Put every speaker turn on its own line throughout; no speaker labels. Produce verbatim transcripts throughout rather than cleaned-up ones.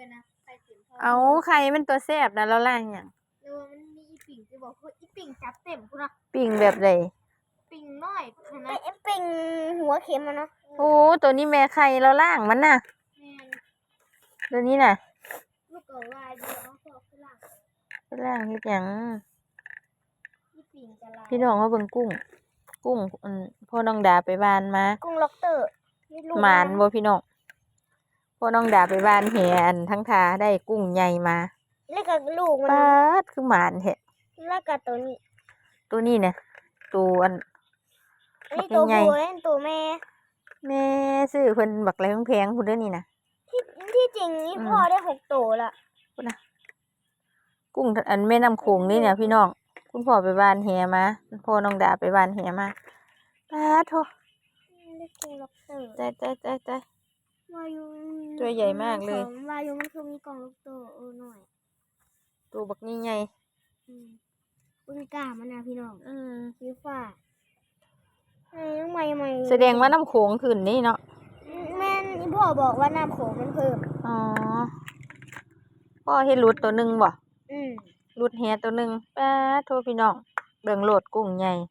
กันนะไข่เต็มท้อง
เอาไข่มันตัวแซ่บนะแล้วล่างหยัง
เออมันมีอีปิ่งจะบอกว่าอีปิ่งจับเต็มพุ่นนะ
ปิ้งแบบใด
ปิ่งน้อยนะไอ้ปิ่งหัวเข็มมันเนาะ
โอ้ตัวนี้แม่ไข่แล้วล่างมันน่ะตัวนี้น่ะ
ลูกเก๋วายเดียวเอาพอขึ้นล่าง
ขึ้นล่างเฮ็ดหยัง
อีปิ่งจะลาย
พี่น้องเขาเบิ่งกุ้งกุ้งอืมพ่อน้องดาไปบ้านมา
กุ้งล็อกเตอร์
หมานบ่พี่น้องพ่อน้องดาไปบ้านแหนทั้งทาได้กุ้งใหญ่มา
แล้วก็ลูกมัน
ปาดคือหมานแท้
แล้วก็ตัวนี้
ตัวนี้เนี่ยตัวอัน
อันนี้ตัวผู้และตัวแม่
แม่ซื้อเพิ่นบักอะไรแพงๆพุ่นเด้อนี่นะ
ที่ที่จริงนี่พ่อได้หกตัวละ
พุ่นน่ะกุ้งอันแม่น้ำโขงนี่เนี่ยพี่น้องคุณพ่อไปบ้านแหมาพ่อน้องดาไปบ้านแหมาปาดโธ่ใจใจใจใจตัวใหญ่มากเลยว
ายุมันคือมีกล่องลูกโตเออหน่อย
ตัวบักนี่ใหญ่
ปุ้งกามันนะพี่น้องอืมสีฟ้าไอ้ใหม่ใหม่
แสดงว่าน้ำโขงขึ้นนี่เนาะ
แม่นี่พ่อบอกว่าน้ำโขงมันเพิ่ม
อ๋อพ่อเห็นรุดตัวหนึ่งบ่
อืม
รุดแหตัวหนึ่งปาดโธ่พี่น้องเบิ่งโหลดกุ้งใหญ่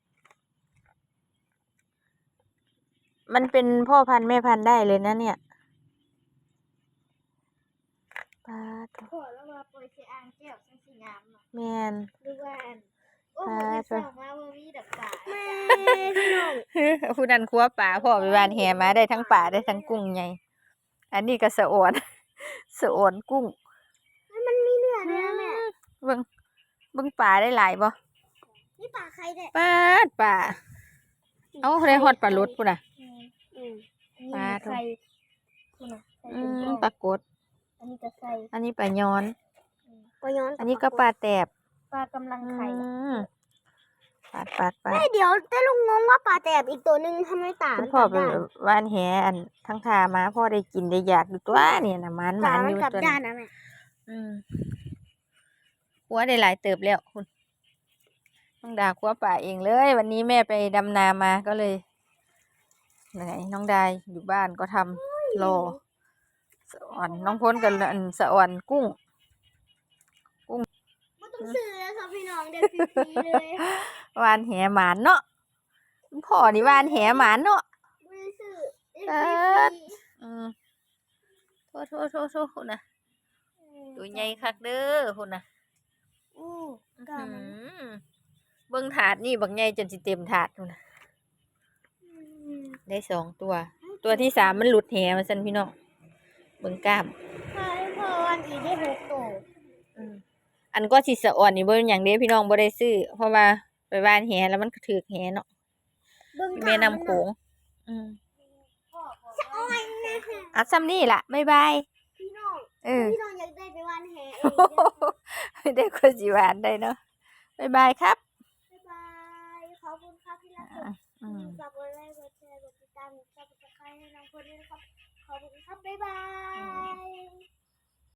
มันเป็นพ่อพันธุ์แม่พันธุ์ได้เลยนะเนี่ยปาด
พ่อแล้วมาปล่อยเสียอ่างแก้วสังสีงาม
แม่น
หรือว่าโอ้โหสาวมาว่ามีดักป่าแม่พี่น้อง
ผู้นั้นครัวป่าพ่อไปบ้านแหมาได้ทั้งป่าได้ทั้งกุ้งใหญ่อันนี้ก็สะอวนสะอวนกุ้ง
มันมีเนื้อเนื้อแม่
เบิ่งเบิ่งป่าได้หลายบ่
นี่ป่าใครได้
ปาดป่าเอ้าได้ฮอดปลาลดพุ่นน่ะ
ปลาไข่
อืมปลากด
อันนี้ก็ไข่
อันนี้ปลาย้อน
ปลาย้อน
อันนี้ก็ปลาแตบ
ปลากำลังไข่
ปาดปาดปาด
เดี๋ยวแต่ลุงงงว่าปลาแตบอีกตัวนึงทำไมต่าง
คุณพ่อไปว่านแหอันทั้งทามาพ่อได้กินได้อยากดูตัวเนี่ยน่ะมันมันอยู่ตัวนี้อืมหัวได้หลายเติบแล้วคุณน้องดาครัวป่าเองเลยวันนี้แม่ไปดำนามาก็เลยไหนน้องดาอยู่บ้านก็ทำรอสะอ่อนน้องพ้นกันอันสะอ่อนกุ้ง
กุ้งไม่ต้องซื้อแล้วครับพี่น้องเด็กฟรีเลยว
านแหหมานเนาะพ่อนี่วานแหหมานเนาะ
ไม่ซื้อ
เอออืมโทษโทษโทษโทษคุณนะตัวใหญ่คักเด้อคุณนะ
อู้กามัน
เบิ้งถาดนี่บักใหญ่จนสิเต็มถาดคุณนะได้สองตัวตัวที่สามมันหลุดแหมาสั่นพี่น้องเบิ้งกล้าม
ใช่พ่อวันอีได้หกตัว
อันก็สิสะอ่อนนี่เบิ้งอย่างเดียวพี่น้องบ่ได้ซื้อเพราะว่าไปบ้านแหแล้วมันถือแหเนาะแม่น้ำโขงอืมอัดซ้ำนี่ล่ะบ๊ายบาย
พี่น้อง
เออ
พี่น้องอยากได้ไปวันแห
เองได้คนสิหวานได้เนาะบ๊ายบายครับ
บ๊ายบายขอบคุณครับที่รับชมฝากกดไลค์กดแชร์กดติดตามกดซับสไครบ์ให้น้องคนด้วยนะครับขอบคุณครับบ๊ายบาย